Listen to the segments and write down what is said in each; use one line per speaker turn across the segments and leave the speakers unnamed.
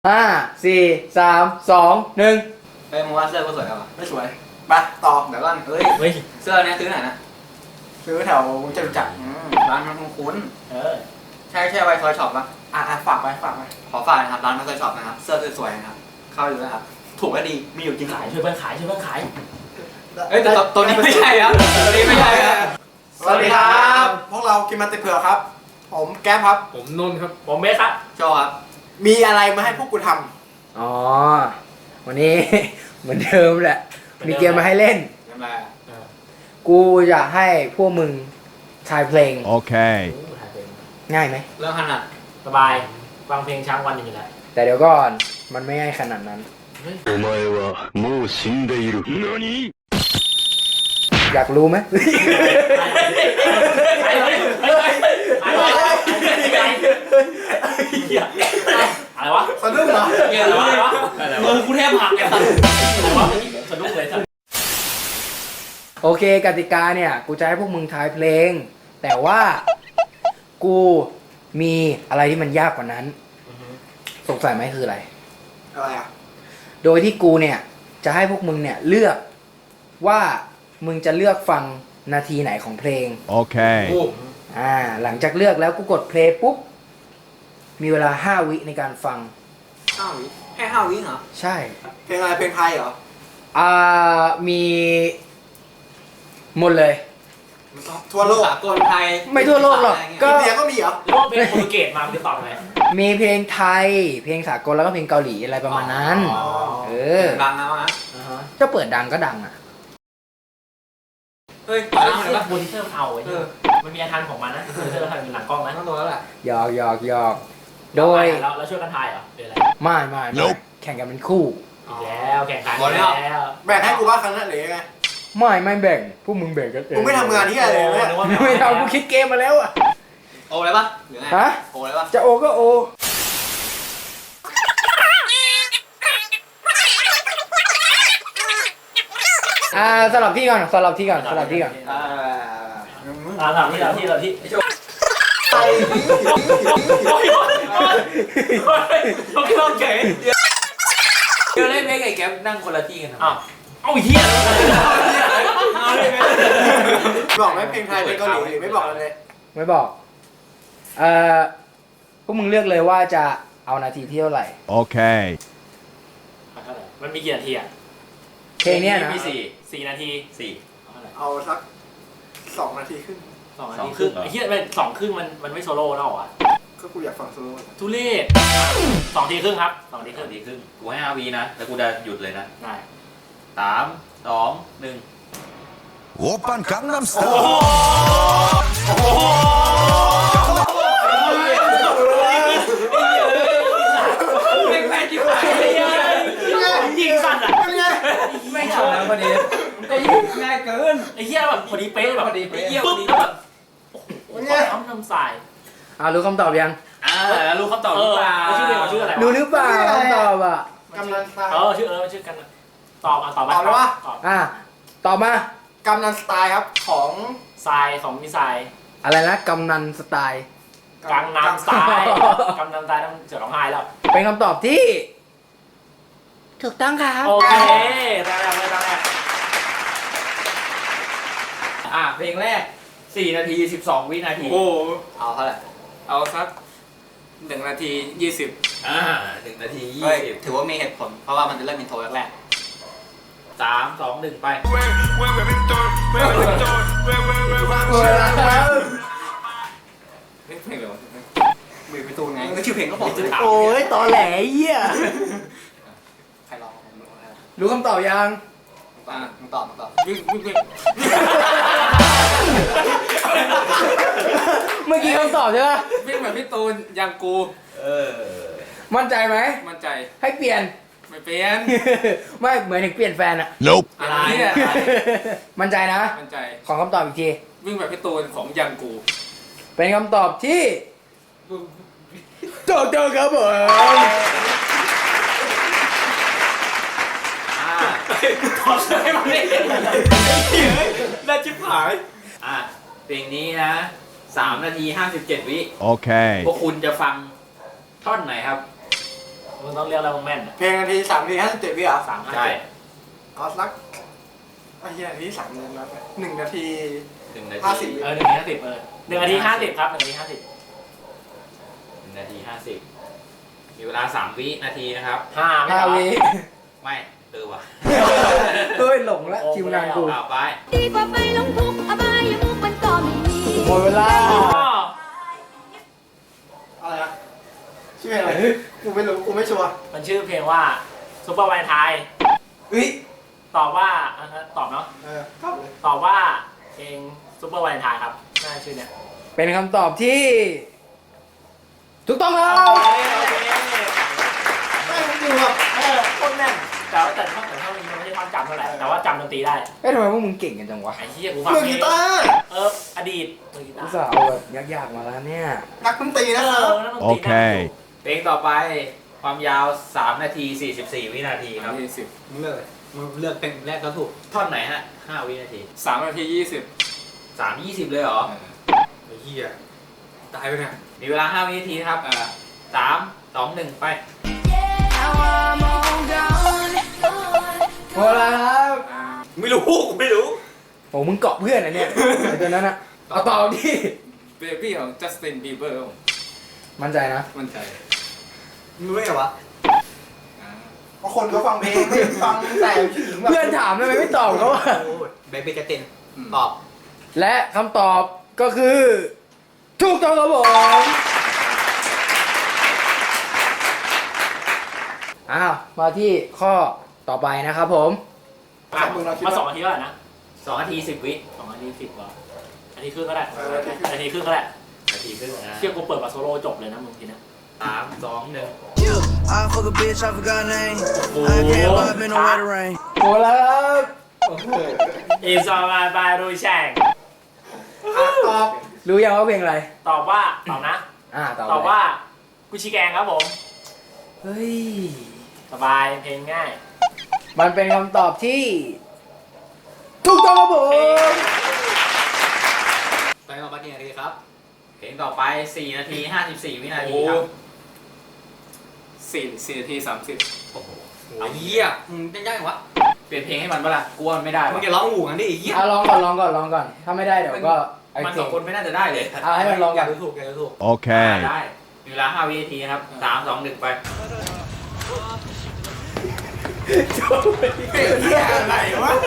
ห้าสี่สามสองหนึ่ง
เฮ้ยมึงว่าเสื้อกูสวยป่ะ
ไม่สวยไปต่อ
เดี๋ยวก่อนเฮ้ย
เฮ้ย
เสื้อเนี้ยซื้อไหนนะ
ซื้อแถวจตุจักร
ร้านมันคุ้น
เออ
ใช่ไวทอยช็อปป่ะ
ฝากไป
ขอฝากนะครับร้านมันทอยช็อปนะครับเสื้อสวยๆนะครับเข้าอยู่นะครับถูกและดีมีอยู่จริง
ขายช่วยเพื่อนขายช่วยเพื่อนขาย
เอ้ยแต่ตัวนี้ไม่ใช่ครับตัวนี้ไม่ใช่ครับ
สวัสดีครับพวกเรากินมันติเผือกครับ ผมแก๊ปครับ
ผมนนท์ครับ
ผมเบสครับ
โจครับ
มีอะไรมาให้พวกกูท
อ๋อ วันนี้ เหมือนเดิมแหละ มีเกมมาให้เล่น
ใช่ไหม
กูอยากให้พวกมึงทายเพลง
Okay.
โอ้ถ่ายเป็น
ง่ายไหม
เรื่องขนาด
สบายฟังเพลงช้างวันอยู่แล้ว
แต่เดี๋ยวก่อน มันไม่ง่ายขนาดนั้น
お前はもう死んでいる。何？
อยากรู้ไหม
อะไรวะ
ำสะดุ้งเหรอ
อะไรวะมือกูแทบหักไอ้สัสอะไรวะสะดุ้งเลยสัส
โอเคกติกาเนี่ย กูจะให้พวกมึงทายเพลง แต่ว่ากูมีอะไรที่มันยากกว่านั้น สงสัยไหมคืออะไร
อะไรอ่ะ
โดยที่กูเนี่ย จะให้พวกมึงเนี่ยเลือกว่ามึงจะเลือกฟังนาทีไหนของเพลง
Okay.
หลังจากเลือกแล้วกูกดเพลย์ปุ๊บ มีเวลา 5 วิในการฟัง
5 วิแค่5 วิเหรอ
ใช่
เพลงอะไรเพลงไทยเหรอ
มีหมดเลย
ทั่วโลก
สากลไทย
ไม่ทั่วโลกหรอกก็
อินเดียก็มีเหรอ
หรือว่าเพลงโปรตุเกสมามันจะตอบไง
มีเพลงไทย เพลงสากลแล้วก็เพลงเกาหลีอะไรประมาณนั้น เออ
ดังนะวะ
จะเปิดดังก็ดังอ่ะ
เฮ้ย
ตอน
ดั
นั้
ง
น
เลยปะ
โปรดิวเซอร์เอาไอ้เนี่ยมันมีอาทานของมันนะโปรดิวเซอร์ทำเป็นหลังกล้องนะ
ต้องตัวแล้วแหละ
หยอกหยอกหยอกโดย
แล้วช่วยกันทายเหรอเป็นอะไร
ไม่แข่งกันเป็นคู่
อีกแล้วแข่งขันแล้ว
แบ่งให้กูบ้างครั้งนั้นหรือยังไง
ไม่แบ่ง พวกมึงแบ่งกันเอง
มึงไม่ทำงานที่อะไรเลยเนี่ย
ไม่ทำกูคิดเกมมาแล้วอ่ะ
โอเลยปะหรือไง
ฮะ
โอเลยปะ
จะโอก็โอ สลับที่ก่อน
ถามที่
ไอ้โจ
โอ้ยโอเค
เดี๋ยวเล่นเพลงไอ้แก๊ปนั่งคนละที่กัน
อ้าวเอาเหี้ย
บอกไหมเพลงไทยเพลงเกาหลีหรือไม่บอกเลย
ไม่บอก พวกมึงเลือกเลยว่าจะเอานาทีที่เท่าไหร่
Okay.
มันมีกี่นาทีอ่ะ
เพลงเนี้ยนะ
มี4 นาที4
เอาสัก2 นาทีครึ่ง
2 นาทีครึ่งไอ้เหี้ยเป็น2 ครึ่งมันไม่โซโล่แล้วเหรอวะ
ก็กูอยากฟังโซโล่
ทุเรศ2 ทีครึ่งครับ2 ทีครึ่ง
ดีขึ้นกูให้5 วีนะ แล้วกูจะหยุดเลยนะ
ได้
3 2 1
오빤 강남스타일.
เป็นแฟนที่ผ่านยิงสั่นอ่ะ
เป็นไง
ไม่ชอบแล้วพอดี
ง่ายเกิน
ไอ้เหี้ยแบบพอดีเป๊ะแบบ
พอดีเป๊ะ
ไอ้เหี้ยปุ๊บแล้วแบบโอ้โหทำสาย
รู้คำตอบยัง
แล้วรู้คำตอบหรือเปล่า
ชื่อเพลงชื่ออะไร
รู้หรือเปล่าคำตอบอ่ะ
กำนันสไตล์
ชื่อกันตอบมา
ตอบเลยปะ
ตอบ
ตอบมา
กำนันสไตล์ครับของ
ทรายของมีทราย
อะไรนะกำนันสไตล์
กลางน้ำทรายกำน้ำทรายต้องเสือร้องไห้แล้ว
เป็นคำตอบที่ ถูกต้องครับ
โอเคได้แล้ว
เพลงแรก 4 นาที 12 วินาที
โอ้เอาเท่าไหร่
เอาสัก1 นาที 20
1 นาที
เฮ้ยถือว่ามีเหตุผลเพราะว่ามันจะเริ่มอินโทรแรก
3 2 1 ไป
เพลงอะไรวะ
ๆมือไปตูนไงก็ชื่อเพลงก็บอก
โอ้ยตอแหลเหี้ย
ใครร้องผมรู้แล้ว
รู้คำตอบยัง
มึงตอบ
วิ่ง
เมื่อกี้คำตอบใช่ปะ
วิ่งแบบพี่ตูนยังกู
มั่นใจไหม
มั่นใจ
ให้เปลี่ยน
ไม่เปลี่ยน
ไม่เหมือนถึงเปลี่ยนแฟนอะ
Nope.
อะไรเนี่ย
มั่นใจนะ
มั่นใจ
ขอคำตอบอีกที
วิ่งแบบพี่ตูนของยังกู
เป็นคำตอบที่ถูกต้องครับผม
ขอช่วยมาเล่น
น่าชิบหาย
เพลงนี้นะ 3 นาที 57 วิ
Okay.
พวกคุณจะฟังท่อนไหนครับ
มึงต้องเรียกแล้วมึงแม่น
เพลงนาที3 นาที 57 วิเหรอ
ใช่
เอาสักไอ้เหี้ยนาที3 นาทีนะ1 นาที
1 นาที
50
1 นาที 501 นาที 50ครับ1 นาที 50
1 นาที 50 มีเวลา 3 วินาทีนะครับ
5ไม่
5
เอา
วิ
ไม่ว่ะ
เฮ้ยหลงละคิวงานกู
เอาไป
ดีกว่าไปลงทุกข์อบายมุกมันก็ไม่มี
หมดเวลา
อะไรนะชื่อเพลงอะไรกูไม่รู้กูไม่ชัวร์
มันชื่อเพลงว่าซุปเปอร์วาเลนไทน์
เฮ้ย
ตอบว่าตอบเนาะ
ครับเลย
ตอบว่าเพลงซุปเปอร์วาเลนไทน์ครับน่าชื่อเนี่ย
เป็นคำตอบที่ ถูกต้องครับ
ไม่ผมอยู่แบบ
โคตรแม่นแต่ท่อนมันไม่ใช่ท่อนจำเท่าไหร่แต่ว่าจำดนตรีได้
เอ้ยทำไมพวกมึงเก่งกันจังวะ
ไอ้เหี้ยกูฟัง
มือกีตาร์
อดีตมือกีตา
อุต
ร์
ส่าห์เอาแบบยากๆมาแล้วเนี่ย
นักดนตรีนะครับ
นั่นดนตรีนะ
เพลงต่อไปความยาว 3 นาที 44 วินาทีครับ
มึงเลือกเลยมึงเลือกเพลงแรกก็ถูก
ท่อนไหนฮะ 5 วินาที
3 นาที
3 20 เลยเหรอ
20ไอ้เหี้ยตายไปเนี่ย
มีเวลา 5 วินาทีนะครับ 3 2 1 ไป
หมดเวลาครับ
ไม่รู้
โอ้มึงเกาะเพื่อนนะเนี่ยไอ้ตัวนั้นอะเอาต่อดิ
เบบี้ของจัสตินบีเบอร์
มั่นใจนะ
มั่นใจ
มึงรู้ไงวะเพราะคนเขาฟังเพลงไม่ฟังแต่ถึงแบบ
เพื่อนถามทำไมไม่ตอบเขาอะ
เบบี้จัสตินตอบ
และคำตอบก็คือ ถูกต้องครับผมอ้าวมาที่ข้อต่อไปนะครับผม
มา2 นาทีเท่าไหร่นะ
2 นาที 10 วิ
2 นาที 10กว่านาทีครึ่งก็ได้นาทีครึ่งก็ได้
นาทีครึ่งนะ
เชี่ยกูเปิดมาโซโล่จบเลยนะมึงทีนะ
3 2 1
I fuck a bitch, I forgot her name. I can't vibe in the wetter rain.
หมดแล้วครับ
อีซอมาบายรูแชง
ตอบ
รู้ยังว่าเพลงอะไร
ตอบว่าตอบนะ
ตอบ
ตอบว่ากุชิแกงครับผม
เฮ้ย
สบายเพลงง่าย
มันเป็นคำตอบที่ ถูกต้องครับผม
ไปต่อไปกี่นาทีครับ
เพลงต่อไป 4 นาที 54 วินาทีครับ
4 นาที 30
โอ้โห
ไอ้เหี้ยจะยากอย่างวะ
เปลี่ยนเพลงให้มันปะล่ะกลัวมันไม่ได้
มึ
วะ
งจะร้องหูกันดิไอ้เหี้ย
ลองก่อน ถ้าไม่ได้เดี๋ยวก็ไอ้
มัน
เพล
2 คนไม่น่าจะได้เลย
ให้มันลองก่อน
ถูกถูก
Okay.
ได้ มีเวลา 5 วินาทีนะครับ 3 2 1 ไป
เหี้ยอะไรวะ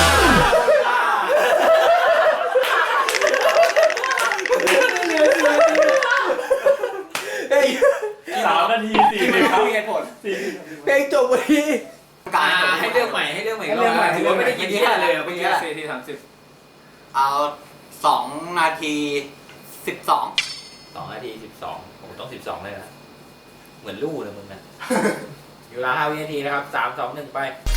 3 นาที 40ครับ
เหตุผล
เพลงจบวันนี้
ให้เลือกใหม่ให้เลือกใหม่
ให้เลือกใหม่
ถือว่าไม่ได้กินที่เลยเมื่อกี้
4 นาที 30
เอา 2 นาที 12
2 นาที 12โอ้โหต้อง 12 เลยนะ เหมือนลู่เลยมึงนะ มีเวลา 5 วินาทีนะครับ 3 2 1 ไป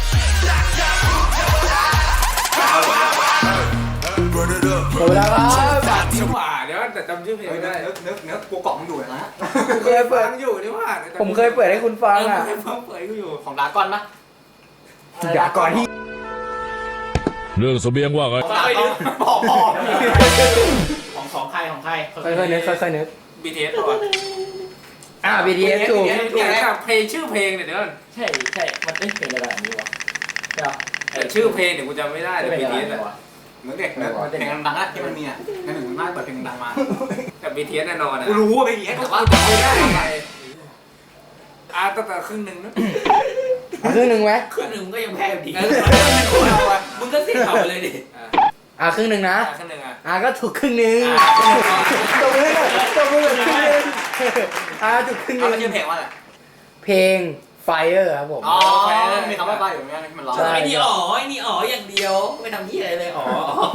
Run it up.
หมดเวลาครับ
นี่หว่าเดี๋ยวแต่จำชื่อเพลงไม่ได้
นึกกูกล่องอยู่นะ
ผมเคยเปิด
อยู่นี่หว่า
ผมเคยเปิดให้คุณฟังอ่ะ
เปิดกูอยู่
ของดราก้อนปะ
อย่าก่อนที่
เรื่องเสบียงว่าไง
บอก
ของใคร
ค่อยๆนึกค่อยๆนึก
BTS ก่อน
BTS ถูก
เพลงชื่อเพลงเนี่ยเดี๋ยว
ใช่มันเพลงอะไรแบบนี้วะใช่ปะ
แต่ชื่อเพลงเดี๋ยวกูจำไม่ได้แต่
เพลงอะไร
BTS
วะ
เหมือนเด็กนะเพลงดังๆอะที่มันมีอ่ะในหนึ่งมันมากเปิดเพลงดังมา
แต่ BTS แน่นอนอ่ะ
กูรู้ว่าเป็นอย่างนี้
แต่
แต่
ว่า
ว่า
จำไม่ได้ไงตั้งแต่ครึ่งหนึ่งนะ
เอาครึ่งหนึ่งไหม
ครึ่งหนึ่งมึงก็ยังแพ้อยู่ดี
เราอะ
มึงก็เสียเขาไปเลยดิ
ครึ่งหนึ่งนะ
ครึ่งหนึ่งอ่ะ
ก็ถูกครึ่งหนึ่งตบมือเลยครึ่งหนึ่งถูกครึ่งห
เอา
นึ่ง
ชื่อเพลงว่าอะไร
เพลง Fire ครับผม
อ๋อมีคำว่าป้ายอยู่เหมือนกันที่มันร้อง
ใช่
ไอ้นี่อ๋ออย่างเดียว ไม่ทำที่อะไรเลยอ๋อ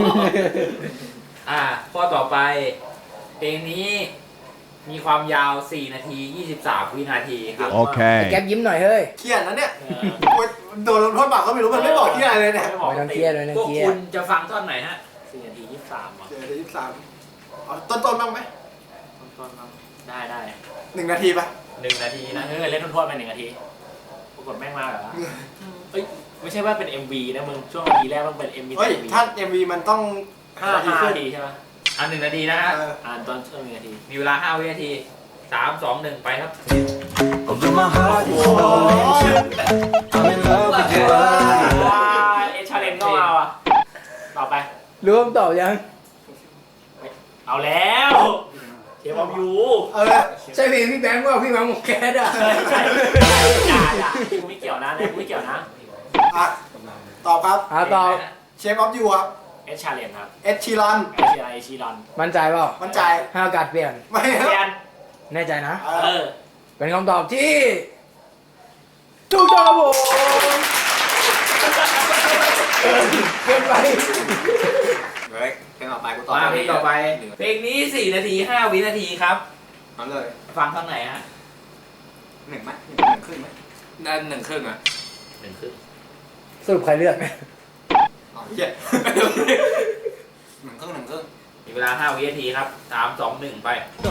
ข้อต่อไป เพลงนี้มีความยาว 4 นาที 23 วินาทีครับ
Okay.
แก๊ปยิ้มหน่อยเฮ้ย
เครียดนะเนี่ยโดนลงโทษบาปก็ไม่รู้มันไม่บอกที่อะไรเลยเนี่ย
ไม่บอก
ไม่ต้องเครียดไม่ต้อง
พวก
เครีย
คุ
ด
ณจะฟังท่อนไหนฮะ
4 นาที 23ว่ะ
เดี๋ยว23เอาต้นบ้างไหม
ต้นๆได้
1 นาทีปะ
1 นาทีนะ
เล่นทวนๆไป1 นาทีปรากฏแม่งมาแบบว่าเอ้ยไม่ใช่ว่าเป็น MV นะมึงช่วงนาทีแรกต้องเป็น MV
เฮ้ยถ้า MV มันต้อง
5 นาทีใช่ไหม
1 นาทีนะฮะ
เออ
ตอนช่วง1 นาที
มีเวลา 5 วินาที 3 2 1 ไปครับ
Although my heart is falling, I'm in love with you.
ว้าเอชาเลนก็เอาอ่ะต่อไป
รู้คำตอบยัง
เอาแล้วเชฟออฟยู
ใช่เพลงพี่แบงค์ว่าพี่มังหมกแก๊สอ่ะ
ใช่อย่ากูไม่เกี่ยวนะเนี่ยกูไม่เกี่ยวนะ
อ่ะตอบครับ
ตอบ
เชฟออฟยูครับ
เอชาเลนครับ
เอ็ดชีรัน
เอชีรอน
มั่นใจเปล่า
มั่นใจ
ให้โอกาสเปลี่ยน
ไม่
เปลี่ยน
แน่ใจนะ
เออ
เป็นคำตอบที่ถูกต้องครับผมเกินไป
เฮ้ยเพลงต่อไปกูตอบ
มาเพลงต่อไปเพลงนี้4 นาที 5 วินาทีครับ
นั่นเลย
ฟังข้างไหนฮะ
หนึ่งไหมหนึ่งครึ่งไหม
ได้1 ครึ่งอ่ะ
1 ครึ่ง
สรุปใครเลือกเนี่ย
อ๋อเหี้ยหนึ่งครึ่ง
มีเวลา5 วินาทีครับ3 2 1 ไป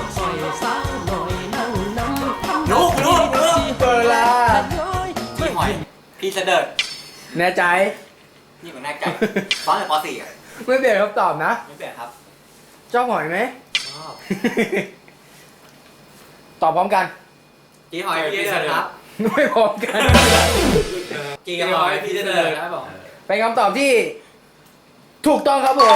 ลูก
เปิดละ
พี่หอยพี่เสด็จ
แน่ใจ
นี่มันแน่ใจฟ้อนแต่ป .4 อ่ะ
ไม่เปลี่ยนคำตอบนะ
ไม่เปลี่ยนครับ
ชอบหอยไหม
ชอบ
ตอบพร้อมกัน
จีหอยพี่เสด็จครับ
ไม่พร้อมกัน
จีหอยพี่เสด็จครับผม
เป็นคำตอบที่ ถูกต้องครับผม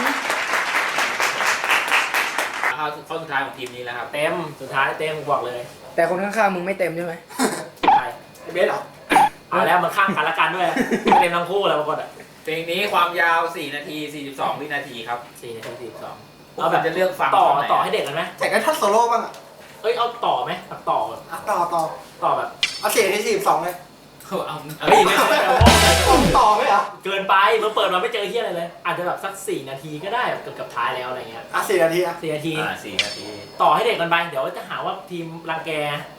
เข้าข้อสุดท้ายของทีมนี้แล้วครับ
เต็มสุดท้ายเต็มบอกเลย
แต่คนข้างๆมึงไม่เต็มใช่ไหม
ใช่
เบสเหรอ
เอาแล้วมันข้างกันละกันด้วยไม่เต็มทั้งคู่แล้วบางคนอ่ะ
เพลงนี้ความยาว4 นาที 42 วินาทีครับ
4 นาที 42
เอาแบบจะเลือกฟัง
ต่อ
ตอนไหน
ต่อให้เด็กกันไหม
แต่ก็ท่านโซโล่บ้างอ่ะ
เอ้ยเอาต่อไหมตัดต่อ
อ่ะต่อ
แบบ
เอาเสียที่42เลย
เอา
เฮ้ยไม่ใช่เอา
ต่อไหมเหรอ
เกินไปเมื่อเปิดมาไม่เจอเฮียอะไรเลย อาจจะแบบสัก4 นาทีก็ได้เกือบท้ายแล้วอะไรเงี้ย
อ่ะ4 นาทีอ่ะ
4 นาที
4 นาที
ต่อให้เด็กกันไปเดี๋ยวจะหาว่าทีมรังแก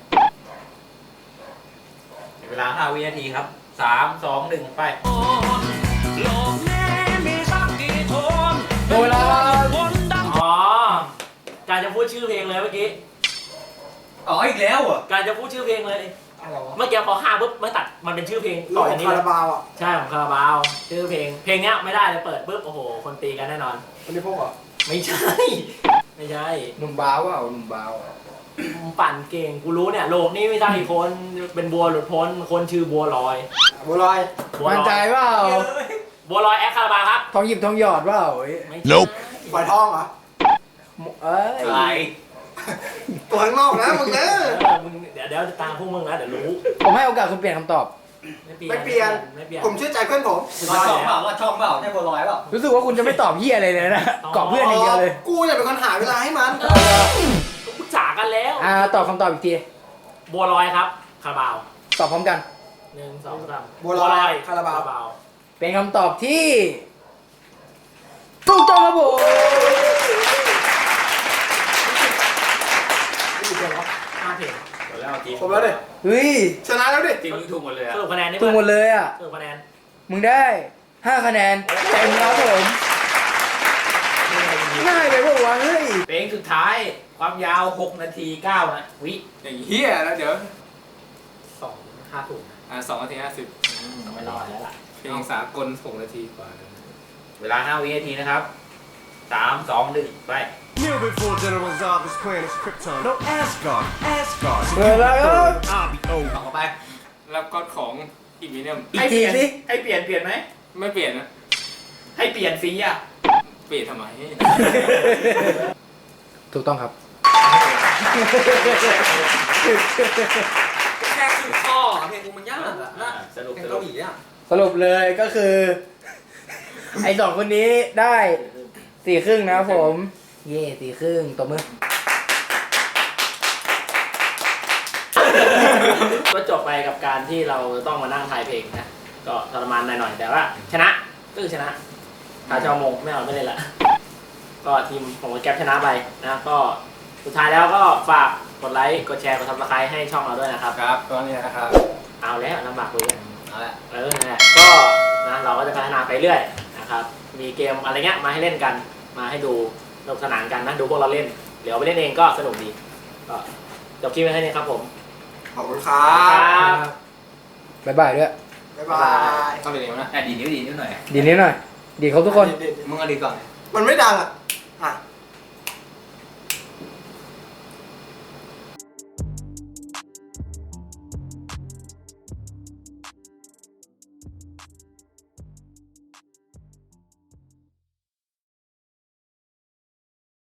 มีเวลา5 วินาทีครับ3 2 1 ไป
โดยละ
อ๋อการจะพูดชื่อเพลงเลยเมื่อกี้
อ๋ออีกแล้วอ่ะ
การจะพูดชื่อเพลงเลย
อะไรวะ
เมื่อกี้พอ5ปุ๊บไม่ตัดมันเป็นชื่อเพลง
โล
ต่อก จากนี้
คา
เล
ราย บาวอ่ะ
ใช่ของคาราบาว ชื่อเพลงเนี้ยไม่ได้เลยเปิดปุ๊บโอ้โหคนตีกันแน่นอน
คนที่พวกเหรอ
ไม่ใช่ ไม่ใช่
หนุ่มบ้าวเปล่าหนุ่มบ้าว
มึงปั่นเก่งกูรู้เนี่ยโลกนี้ไม่ใช่คนเป็นบัวหลุดพ้นคนชื่อบัวลอย
บัวลอย
บัว
มั่น
ล
ใจ
อย
เปล่า
บัวลอยแอคคาราบาวครับ
ทองหยิบทองหยอดเปล่าเอ้ย
ไม่
Nope
ฝอยทองเหรอ
เอ้ย
อะไร
ตัวข้างนอกนะมึงเนอะ
มึงเดี๋ยวจะตามพวกมึงนะเดี๋ยวรู้
ผมให้โอกาสคุณเปลี่ยนคำตอบ
ไม่เปลี่ยน
ไม่เปลี่ยน
ผมเชื่อใจเพื่อนผม
รอดช่องเปล่ารอดช่องเปล่าใช่บัวลอยเปล่า
รู้สึกว่าคุณจะไม่ตอบเฮียอะไรเลยนะเกาะเพื่อนอย่างเดียวเลย
กูจะเป็นคนหาเวลาให้มัน
ปรึกษากันแล้ว
ตอบคำตอบอีกที
บัวลอยครับคาราบาว
ตอบพร้อมกัน
1 2 3
บัวลอยคาราบาว
เป็นคำตอบที่ ถูกต้องครับผม
5 เพลง
หมดแล้วทีม
ผมแล้วดิ
เฮ้ย
ชนะแล้วดิ
ทีมนี้ถูกหมดเลย
ส
อะ
รุปคะแนนนี่
ถูกหมดเลยอ่ะ
สรุปคะแนน
มึงได้5 คะแนนเต็มครับผมง่ายไปพวกวะเฮ้ย
เพลงสุดท้ายความยาว6 นาที9 นะวิ
อย่างเฮียแล้วเดี๋ยว
5 ถูก
2 นาที
ไม่รอดแล้วล่ะ
50เพลงสากล6 นาทีกว่า
เวลา5 วินาทีนะครับ3 2 1 ไป
Kneel before General Zarba's planet Krypton. No Asgard, Asgard.
เปิดแล้วครับ
I'll be over.
ต่อไปแล้วก็ของอีกมิเนียม
อีกทีสิ
ให้เปลี่ยนไหม
ไม่เปลี่ยนนะ
ให้เปลี่ยนฟรีอ่ะ
เปลี่ยนทำไม
ถูกต้องครับ
แค่คือข้อเพลงกูมันยากอะนะ
สรุป
เพลง
สรุ
เกา
ป
หลีอ่ะ
สรุปเลยก็คือ ไอ้สองคนนี้ได้4 ครึ่งนะครับผม เย่4 ครึ่งตบมือ
ก็จบไปกับการที่เราต้องมานั่งทายเพลงนะ ก็ทรมานหน่อยๆแต่ว่าชนะก็คือชนะถ้าจะเอามงไม่เอาไม่เล่นละก็ทีมของแก๊ปชนะไปนะก็สุดท้ายแล้วก็ฝากกดไลค์กดแชร์กดซับสไครต์ให้ช่องเราด้วยนะครับ
ครับตอนนี้นะครับ
เอาแล้วลำบากเลย
เอาละ
นั่นแหละก็นะเราก็จะพัฒนาไปเรื่อยนะครับมีเกมอะไรเงี้ยมาให้เล่นกันมาให้ดูสนุกสนานกันนะดูพวกเราเล่นเดี๋ยวไปเล่นเองก็สนุกดีก็จบคลิปไว้แค่นี้ครับผม
ขอบคุณครั
ครับ บ
บ๊ายบายด้วย
บ๊ายบาย
ต้องเปลี่ยนเองนะ
ดีนิ้วหน่อย
ดีนิดหน่อย ดีครบทุกคน
เด็ด
มึงเอาดีก่อน
ๆมันไม่ดังอ่ะ อ่ะ